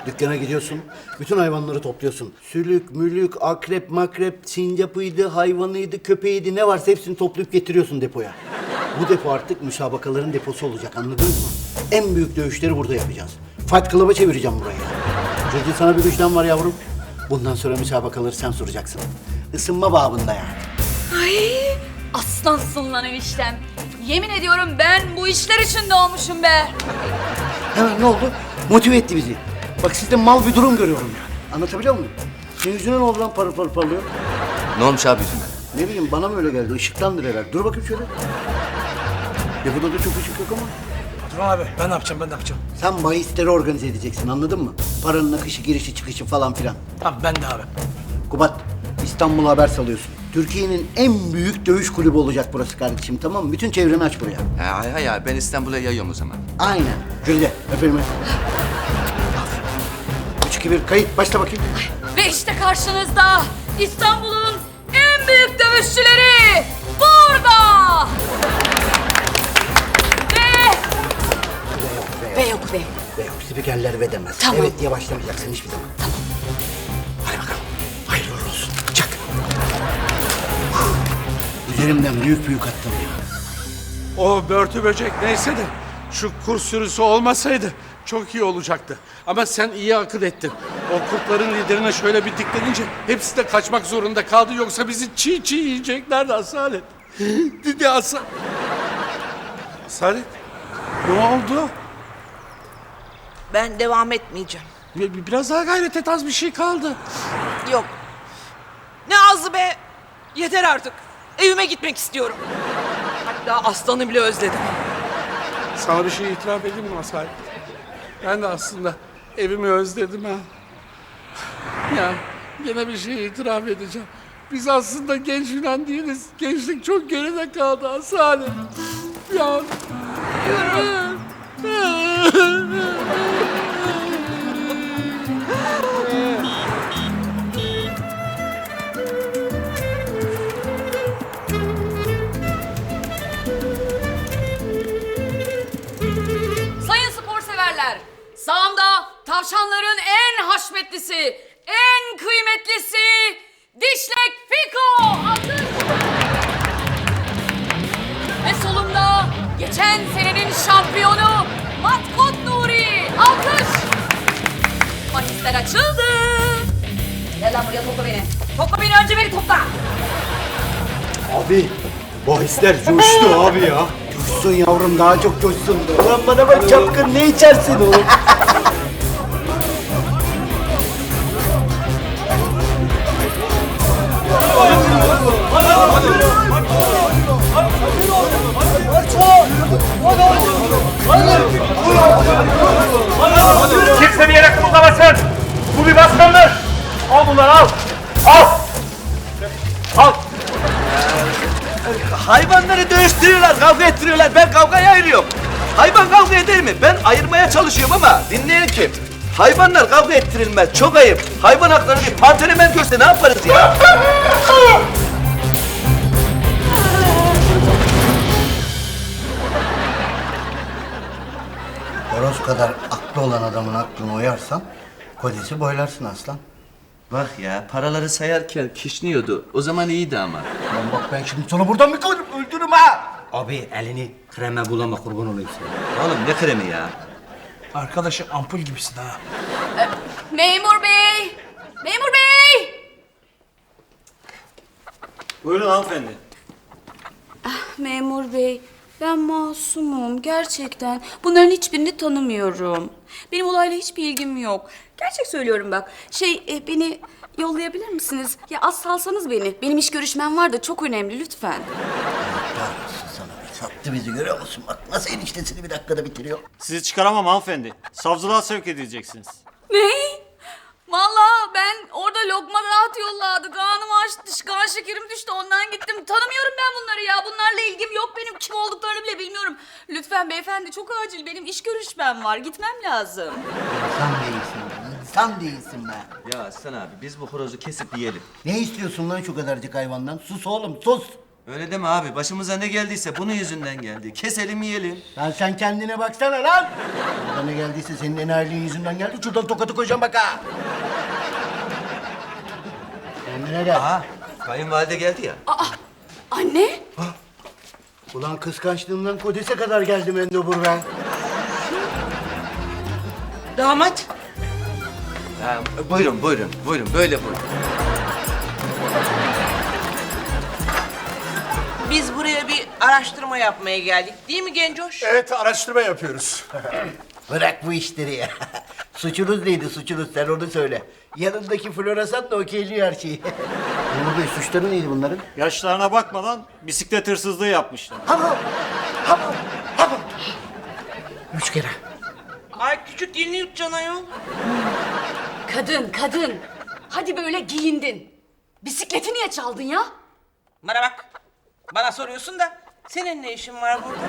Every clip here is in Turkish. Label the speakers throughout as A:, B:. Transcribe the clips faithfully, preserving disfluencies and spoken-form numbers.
A: Dükkana gidiyorsun, bütün hayvanları topluyorsun. Sülük, mülük, akrep, makrep, sincapıydı, hayvanıydı, köpeğiydi, ne varsa hepsini toplayıp getiriyorsun depoya. Bu depo artık müsabakaların deposu olacak, anladınız mı? En büyük dövüşleri burada yapacağız. Fight Club'a çevireceğim burayı. Çünkü sana bir müjdem var yavrum. Bundan sonra müsabakaları sen soracaksın. Isınma babında yani.
B: Ay, aslansın lan eniştem. Yemin ediyorum ben bu işler için doğmuşum be.
A: Hemen ne oldu? Motive etti bizi. Bak sizde mal bir durum görüyorum yani. Anlatabiliyor muyum? Senin yüzüne ne oldu lan parıl parıl parlıyor?
C: Ne olmuş abi yüzüne?
A: Ne bileyim bana mı öyle geldi? Işıktandır herhalde. Dur bakayım şöyle. Depoda da çok ışık yok ama.
D: Dur abi ben ne yapacağım ben ne yapacağım?
A: Sen bahisleri organize edeceksin, anladın mı? Paranın akışı, girişi, çıkışı falan filan.
D: Tamam ben de abi.
A: Kubat, İstanbul'a haber salıyorsun. Türkiye'nin en büyük dövüş kulübü olacak burası kardeşim, tamam mı? Bütün çevreni aç buraya.
C: Ha, hay hay ya ben İstanbul'a yayıyorum o zaman.
A: Aynen. Jülide, öpelim. Üç, iki, bir, kayıt. Başla bakayım.
B: Ve işte karşınızda İstanbul'un en büyük dövüşçüleri burada. Ve... Ve yok ve.
A: Ve yok, spikerler ve demez.
B: Tamam.
A: Evet diye başlamayacaksın hiçbir zaman. Tamam. Hadi bakalım. Hayırlı uğurlu olsun. Çak. Üzerimden büyük büyük attım ya.
E: O börtü böcek neyse de şu kurt sürüsü olmasaydı çok iyi olacaktı. Ama sen iyi akıl ettin. O kurtların liderine şöyle bir diklenince hepsi de kaçmak zorunda kaldı. Yoksa bizi çiğ çiğ yiyeceklerdi Asalet. Dedi Asa... Asalet, ne oldu?
F: Ben devam etmeyeceğim.
E: Bir- Biraz daha gayret et, az bir şey kaldı.
F: Yok. Ne azı be. Yeter artık. Evime gitmek istiyorum. Hatta aslanı bile özledim.
E: Sana bir şey itiraf edeyim mi Asalet? Ben de aslında evimi özledim ha. Ya yine bir şey itiraf edeceğim. Biz aslında genç Yunan değiliz. Gençlik çok geride kaldı Asalet. Ya.
B: Sayın spor severler, sağımda tavşanların en haşmetlisi, en kıymetlisi Dişlek Fiko adı. Ve solumda geçen senenin şampiyonu Matkot Nuri. Alkış. Bahisler açıldı. Gel lan buraya, topla beni. Topla beni, önce beni topla.
A: Abi, bahisler coştu abi ya. Coşsun yavrum, daha çok coşsun. Ulan bana bak çapkın, ne içersin oğlum?
G: Kimse bir yere kımıldamasın. Bu bir baskındır. Al bunları al. Al. Al.
H: Hayvanları dövüştürüyorlar, kavga ettiriyorlar. Ben kavgayı ayırıyorum. Hayvan kavga eder mi? Ben ayırmaya çalışıyorum ama dinleyen kim? Hayvanlar kavga ettirilmez. Çok ayıp. Hayvan hakları bir pantenemen görse ne yaparız ya?
A: Horoz kadar aklı olan adamın aklını oyarsan kodesi boylarsın aslan.
C: Bak ya paraları sayarken kişniyordu. O zaman iyiydi ama.
A: Lan bak ben şimdi sana buradan bir koyarım, öldürürüm ha!
I: Abi elini kreme bulama, kurban olayım sana.
C: Oğlum ne kremi ya?
D: Arkadaşım ampul gibisin ha.
B: Memur bey! Memur bey!
G: Buyurun hanımefendi.
B: Memur bey, ben masumum gerçekten. Bunların hiçbirini tanımıyorum. Benim olayla hiçbir ilgim yok. Gerçek söylüyorum bak. Şey, e, beni yollayabilir misiniz? Ya az salsanız beni. Benim iş görüşmem var da çok önemli, lütfen.
A: Kahretsin sana be, sattı bizi, görüyor musun? Bak nasıl eniştesini bir dakikada bitiriyor.
G: Sizi çıkaramam hanımefendi. Savcılığa sevk edileceksiniz.
B: Ne? Vallahi ben orada lokma rahat yolladı. Kanım açtı, kan şekerim düştü. Ondan gittim. Tanımıyorum ben bunları ya. Bunlarla ilgim yok benim. Kim olduklarını bile bilmiyorum. Lütfen beyefendi, çok acil. Benim iş görüşmem var. Gitmem lazım.
A: İnsan değilsin be, insan değilsin be.
C: Ya Aslan abi biz bu horozu kesip yiyelim.
A: Ne istiyorsun lan şu kadarcık hayvandan? Sus oğlum, sus!
C: Öyle deme abi. Başımıza ne geldiyse bunun yüzünden geldi. Keselim yiyelim.
A: Lan sen kendine baksana lan. Bana ne geldiyse senin enayiliğin yüzünden geldi. Şuradan tokatı koyacağım bak ha. Kendine gel.
C: Aha, kayınvalide geldi ya.
B: Anne?
A: Ulan kıskançlığımdan kodese kadar geldim Endobur ben.
F: Damat.
C: Ha, buyurun, buyurun, buyurun. Böyle buyurun.
F: Biz buraya bir araştırma yapmaya geldik. Değil mi Gencoş?
G: Evet, araştırma yapıyoruz.
A: Bırak bu işleri ya. Suçunuz neydi suçunuz sen onu söyle. Yanındaki floresan da okeyliyor her şeyi. Memur Bey suçları neydi bunların?
G: Yaşlarına bakmadan bisiklet hırsızlığı yapmışlar.
A: Hamam! Hamam! Hamam! Üç kere.
F: Ay küçük dilini yutacaksın ayol.
B: Kadın, kadın. Hadi böyle giyindin. Bisikleti niye çaldın ya?
F: Bana bak. Bana soruyorsun da senin ne işin var burada?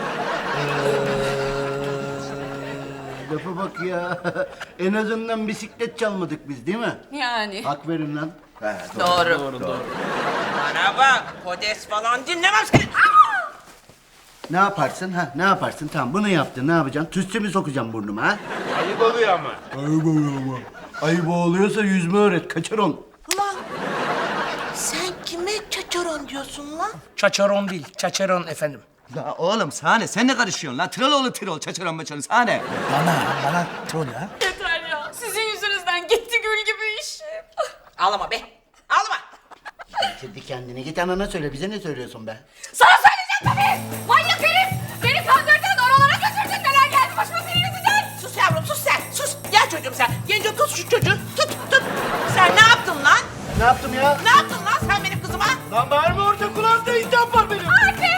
A: Lafa bak ya. En azından bisiklet çalmadık biz değil mi?
B: Yani.
A: Hak verin lan.
F: Doğru. Bana bak. Kodes falan dinlemem seni.
A: Ne yaparsın ha? Ne yaparsın? Tamam bunu yaptın. Ne yapacaksın? Tütsü mü sokacağım burnuma ha?
G: Ayıp oluyor ama.
A: Ayıp oluyor ama. Ayıp oluyorsa yüzme öğret. Kaçaron.
F: Ulan sen kime çaçaron diyorsun lan?
D: Çaçaron değil, çaçaron efendim.
C: Ya oğlum sahne, sen ne karışıyorsun lan? Tirol tirol, çaçaran maçaran sahne.
D: Bana, bana troll ha.
B: Yeter ya. Sizin yüzünüzden gitti gül gibi iş.
F: Ağlama be. Ağlama.
A: Bitirdi kendini. Git anana söyle. Bize ne söylüyorsun be?
B: Sana söyleyeceğim tabii. Manyak herif. Beni kandırdın, oralara götürdün. Neler geldi başıma senin yüzünden.
F: Sus yavrum sus sen. Sus. Gel çocuğum sen. Genco tut şu çocuğu. Tut tut. Sen ne yaptın lan?
A: Ne yaptım ya?
F: Ne yaptın lan sen benim kızıma?
A: Lan bağırma orada kulağımda intihap var benim.
B: Anne!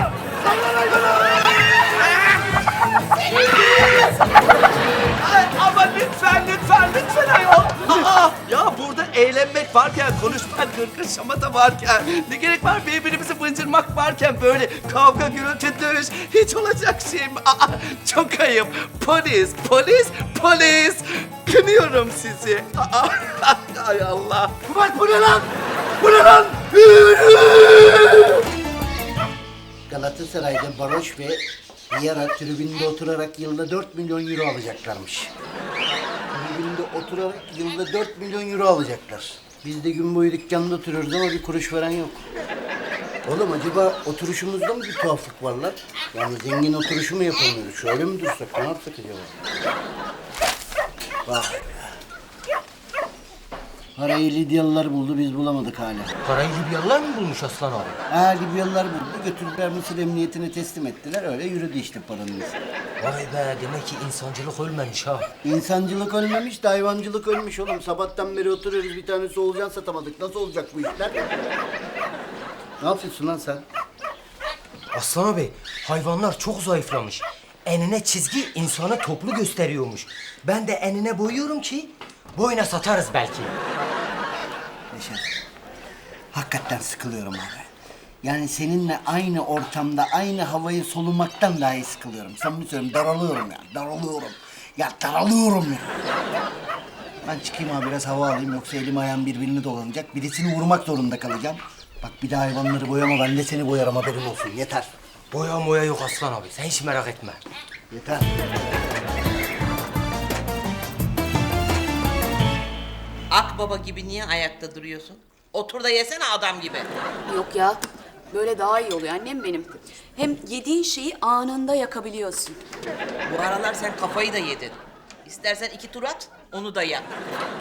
H: Ay, ama lütfen, lütfen, lütfen ayol. Aa, ya burada eğlenmek varken, konuşmak, gırgır şamata varken, ne gerek var birbirimizi bıncırmak varken böyle kavga, gürültü, dövüş hiç olacak şey mi? Aa, çok ayıp. Polis, polis, polis. Kınıyorum sizi. Aa, ay Allah.
A: Bak bu ne lan? Bu ne lan? Galatasaray'da Baroş ve Vieira tribünde oturarak yılda dört milyon euro alacaklarmış. Tribünde oturarak yılda dört milyon euro alacaklar. Biz de gün boyu dükkanda oturuyoruz ama bir kuruş veren yok. Oğlum acaba oturuşumuzda mı bir tuhaflık var lan? Yani zengin oturuşu mu yapamıyoruz? Şöyle mi dursak? Ne yapsak acaba? Vay be. Parayı Lidyalılar buldu, biz bulamadık hala.
I: Parayı Libyalılar mı bulmuş Aslan abi?
A: Ha, Libyalılar buldu, götürdüler Mısır Emniyetine teslim ettiler. Öyle yürüdü işte paranın izi.
I: Vay be, demek ki insancılık ölmemiş ha.
A: İnsancılık ölmemiş de hayvancılık ölmüş oğlum. Sabahtan beri oturuyoruz, bir tane solucan satamadık. Nasıl olacak bu işler? Ne yapıyorsun lan sen?
I: Aslan abi, hayvanlar çok zayıflamış. Enine çizgi insanı toplu gösteriyormuş. Ben de enine boyuyorum ki boyuna satarız belki.
A: Neşet, hakikaten sıkılıyorum abi. Yani seninle aynı ortamda aynı havayı solumaktan dahi sıkılıyorum. Samimi söylüyorum, daralıyorum ya, daralıyorum. Ya daralıyorum ya. Ben çıkayım abi biraz hava alayım yoksa elim ayağım birbirini dolanacak. Birisini vurmak zorunda kalacağım. Bak bir daha hayvanları boyama, ben de seni boyarım, haberin olsun. Yeter.
I: Boya moya yok Aslan abi, sen hiç merak etme.
A: Yeter.
F: Akbaba gibi niye ayakta duruyorsun? Otur da yesene adam gibi.
B: Yok ya. Böyle daha iyi oluyor annem benim. Hem yediğin şeyi anında yakabiliyorsun.
F: Bu aralar sen kafayı da yedin. İstersen iki tur at, onu da yak.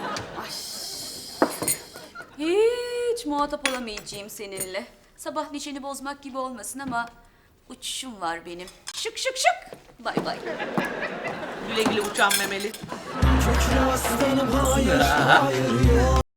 B: Hiç muhatap olamayacağım seninle. Sabah neşeni bozmak gibi olmasın ama uçuşum var benim. Şık şık şık. Bay bay.
F: Güle güle uçan memeli.